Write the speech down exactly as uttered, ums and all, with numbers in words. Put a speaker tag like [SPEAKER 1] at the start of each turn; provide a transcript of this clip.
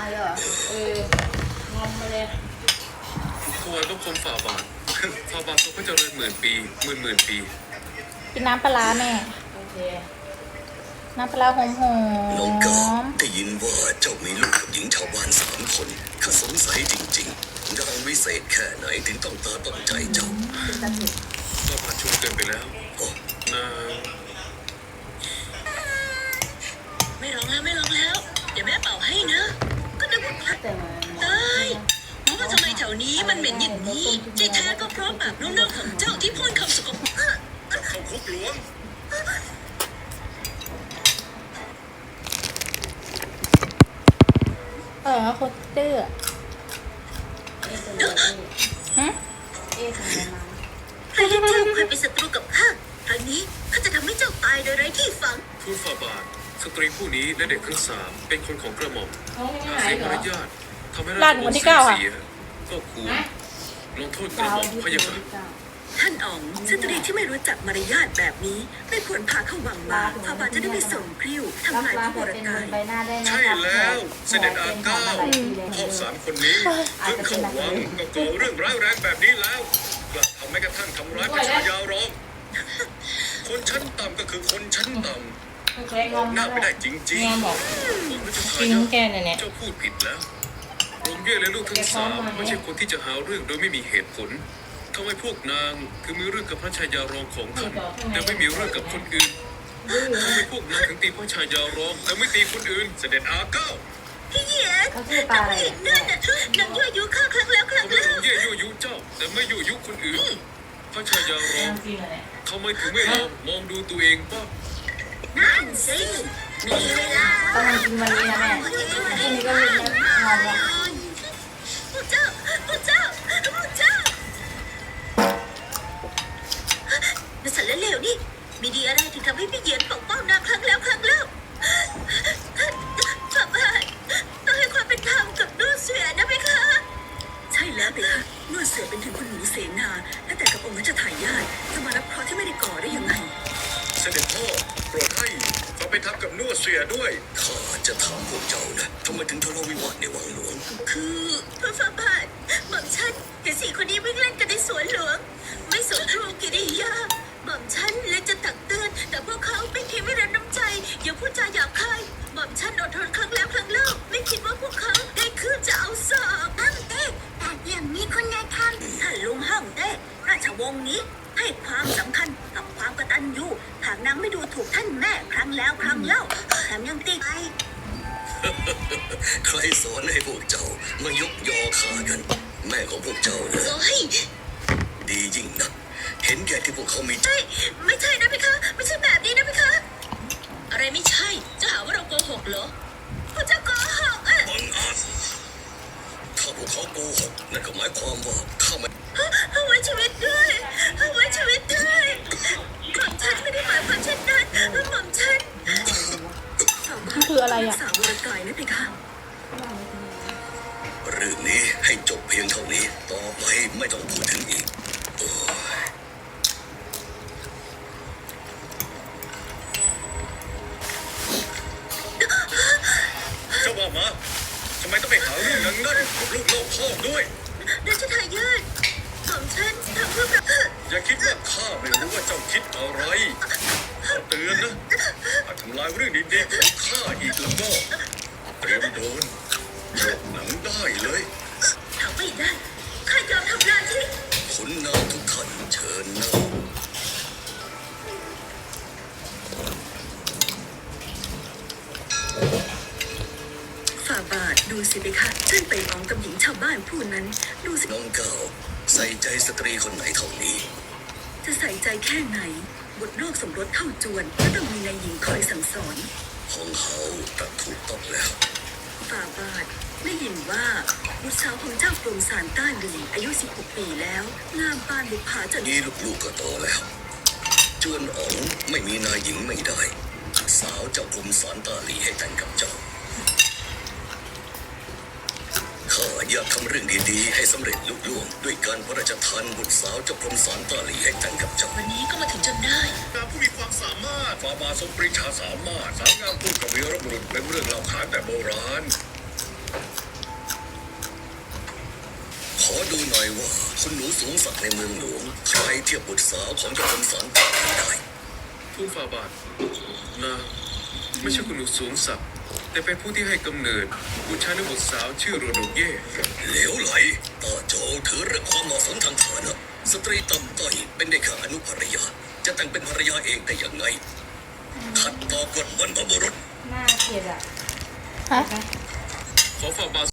[SPEAKER 1] มาเลยเหรอเอองอมมาเลย
[SPEAKER 2] ถวายบังคมฝ่าบาทฝ่าบาททรงพระเจริญหมื่นปีหมื่นหมื่นปี
[SPEAKER 3] กินน้ำปลาร้าแม่
[SPEAKER 1] โอเค
[SPEAKER 3] น้ำปลาหอมหอ
[SPEAKER 4] น้องกา
[SPEAKER 3] ม
[SPEAKER 4] ได้ยินว่าเจ้ามีลูกกับหญิงชาวบ้านสามคนข้าสงสัยจริงๆนางวิเศษแค่ไหนถึงต้องตาต้องใจเจ้า
[SPEAKER 2] ฝ่าบาทชุมเกินไปแล้วนาง
[SPEAKER 5] ไม่ร้องแล้วไม่ร้องแล้วเดี๋ยวแม่เป่าให้นะก็นึกว่าพักตายเพราะว่าทำไมแถวนี้มันเหม็นอย่างนี้ที่แท้ก็เพราะปากนุ่มๆของเจ้าที่พ่นคำสกปรก
[SPEAKER 2] เข้าคุกหลวง
[SPEAKER 3] เออโคตรเตื้อฮะ
[SPEAKER 1] เอ๊ะทำไมมา
[SPEAKER 5] ใครที่เจ้าเคยเป็นศัตรูกับข้าครั้งนี้ข้าจะทำให้เจ้าตายโดยไร้ที่ฝัง
[SPEAKER 2] ทูลฝ่าบาทสตรีผู้นี้และเด็กทั้งสามเป็นคนของกระหม่อมหากเสียมารยาททำให้ราชวงศ์เสียก็ควรลงโทษกระหม่อมพะยะค่ะ
[SPEAKER 5] ท่านอ๋องสตรีที่ไม่รู้จักมารยาทแบบนี้ไม่ควรพาเข้าวังมาพาบาจะได้ไม่ส่งกริ้วทำลายพระวรกาย
[SPEAKER 2] ใช่แล้วเสด็จอาเก้าพ่อสามคนนี้เพิ่งเข้าวังก็ก่อเรื่องร้ายแรงแบบนี้แล้วกลับทำแม้กระทั่งทำร้ายพระชายารองคนชั้นต่ำก็คือคนชั้นต่ำบอกหน้าไม่ได้จริงๆบอกจริงแกเนี่ยเจ้าพูดผิดแล้วองค์เย่และลูกทั้งสามไม่ใช่คนที่จะหาเรื่องโดยไม่มีเหตุผลทำไมพวกนางคือมีเรื่องกับพระชายารองของท่านแต่ไม่มีเรื่องกับคนอื่นทำไมพวกนางถึงตีพระชายารองแต่ไม่ตีคนอื่นเสด็จอาเก้า
[SPEAKER 5] พี่เย็นนางเห็นนั่นน่ะนางยั่วยุข้าครั้งแล้วครั้ง
[SPEAKER 2] ทำไม
[SPEAKER 5] เล่า
[SPEAKER 2] องค์เย่ยั่วยุเจ้าแต่ไม่ยั่วยุคนอื่นพระชายารองทำไมถึงไม่ลองมองดูตัวเองบ้าง
[SPEAKER 5] นั่นสิมีเวลา
[SPEAKER 1] ต้องกินวันนี้นะแม่พรุ่งนี้ก็ลืมแล้วงอมแล้ว
[SPEAKER 5] พระเจ้าพระเจ้าพระเจ้านักสันเลวนี่มีดีอะไรถึงทำให้พี่เย็นปกป้องนางครั้งแล้วครั้งเล่าฝ่าบาทต้องให้ความเป็นธรรมกับนุ่นเสือนะเพคะใช่แล้วเพคะนุ่นเสือเป็นถึงคนหนูเสนาและแต่กับองค์รัชทายาทจะมารับเคราะห์ที่ไม่ได้ก่อได้ยังไง
[SPEAKER 2] เสด็จพ่อโปรดให้เขาไปทับกับนัวเสียด้วย
[SPEAKER 4] ข้าจะถามพวกเจ้านะทำไมถึงทะเลาะวิวาทในวังหลวง
[SPEAKER 5] คือพระฝ่าบาทหม่อมฉันเห็นสี่คนนี้วิ่งเล่นกันในสวนหลวงไม่สนครูกิริยาหม่อมฉันเลยจะตักเตือนแต่พวกเขาไม่คิดไม่รับน้ำใจอย่าพูดจาหยาบคายหม่อมฉันอดทนครั้งแล้วครั้งเล่าไม่คิดว่าพวกเขาได้คืนจะเอาสอบห้ามเต้แต่อย่างนี้คนนายทำถ้าลุงห้ามเต้ราชวงศ์นี้ให้ความสำคัญกับความกตัญญูหากนางไม่ดูถูกท่านแม่ครั้งแล้วครั้งเล่าแถมยังตีไป
[SPEAKER 4] ใครสอนให้พวกเจ้ามายกยอข้ากันแม่ของพวกเจ้าเลยดียิ่งนักเห็นแก่ที่พวกเขามี
[SPEAKER 5] ใช่ไม่ใช่นะพี่คะไม่ใช่แบบนี้นะพี่คะอะไรไม่ใช่จะหาว่าเราโกหกเหรอพระเจ้าโกหกอ่ะ
[SPEAKER 4] บังอาจถ้าพวกเขาโกหกนั่นก็หมายความว่าข้าไม่
[SPEAKER 5] เอาไว้ชีวิตด้วยเอาไว้ชีวิตด้วยหม่อมฉันไม่ได้หมายความเช่นนั้นหม่อมฉัน
[SPEAKER 3] คืออะไรอ่ะ
[SPEAKER 5] สาววรกายนะพี่คะ
[SPEAKER 4] เรื่องนี้ให้จบเพียงเท่านี้ต่อไปไม่ต้องพูดถึงอีก
[SPEAKER 2] เจ้าว่ามาทำไมต้องไปหาเรื่องนั้นนั่นกับลูกโลกพ่อด้วย
[SPEAKER 5] รัชทายาทของฉันทำเพื่อแบบ
[SPEAKER 2] อย่าคิดว่าข้าไม่รู้ว่าเจ้าคิดอะไรขอเตือนนะหากทำลายเรื่องดีๆของข้าอีกแล้วก็เตรียมโดนโยกหนังได้เลย
[SPEAKER 5] ทำไม่ได้ข้ายอมทำหน้าที่
[SPEAKER 4] ขุนนางทุกท่านเชิญนั่ง
[SPEAKER 5] ฝ่าบาทดูสิเพคะฉันไปมองกับหญิงชาวบ้านผู้นั้นดูสิ
[SPEAKER 4] น้องเก่าใส่ใจสตรีคนไหนเท่านี้
[SPEAKER 5] จะใส่ใจแค่ไหนบทนอกสมรสเท่าจวนก็ต้องมีนายหญิงคอยสั่งสอน
[SPEAKER 4] ของเขาตัดถูกต้องแล้ว
[SPEAKER 5] ฝ่าบาทได้ยินว่าบุตรสาวของเจ้ากรมสารต้านหลีอายุสิบหกปีแล้วงามปานบุพาจน
[SPEAKER 4] นี้ลูกๆก็โตแล้วจวนอ๋องไม่มีนายหญิงไม่ได้สาวเจ้ากรมสารต้านหลีให้แต่งกับเจ้าข้าอยากทำเรื่องดีๆให้สำเร็จลุล่วงด้วยการพระราชทานบุตรสาวเจ้ากรมสารต้านหลีให้แต่งกับเจ้า
[SPEAKER 5] วันนี้ก็มาถึงจนได้
[SPEAKER 2] นางผู้มีความสามารถฝ่าบาททรงปรีชาสามารถสาวงามพูดกับวีรบุรุษเป็นเรื่องเล่าขานแต่โบราณ
[SPEAKER 4] อดูหน่อยว่าคุณหนูสูงสักดิ์ในเมืองหลวงใครเทียบบุตรสาวของเจ้าคนสารต่อได้
[SPEAKER 2] ทูตฝ่าบาทนางไม่ใช่คุณหนูสูงศักดิ์แต่เป็นผู้ที่ให้กำเนิดบุตรชายและบุตรสาวชื่อโรโนเย่
[SPEAKER 4] เหลวไหลตาโจถือเรื่องความเหมาะสมทางฐานะสตรีต่ำต้อยเป็นได้แค่อนุภรรยา จะแต่งเป็นภรรยาเองได้ยังไงขัดต่อกฎบรรพบุรุษ
[SPEAKER 1] หน้าเกลียดอ่ะ
[SPEAKER 3] ฮะ
[SPEAKER 2] ขอฝ่าบาท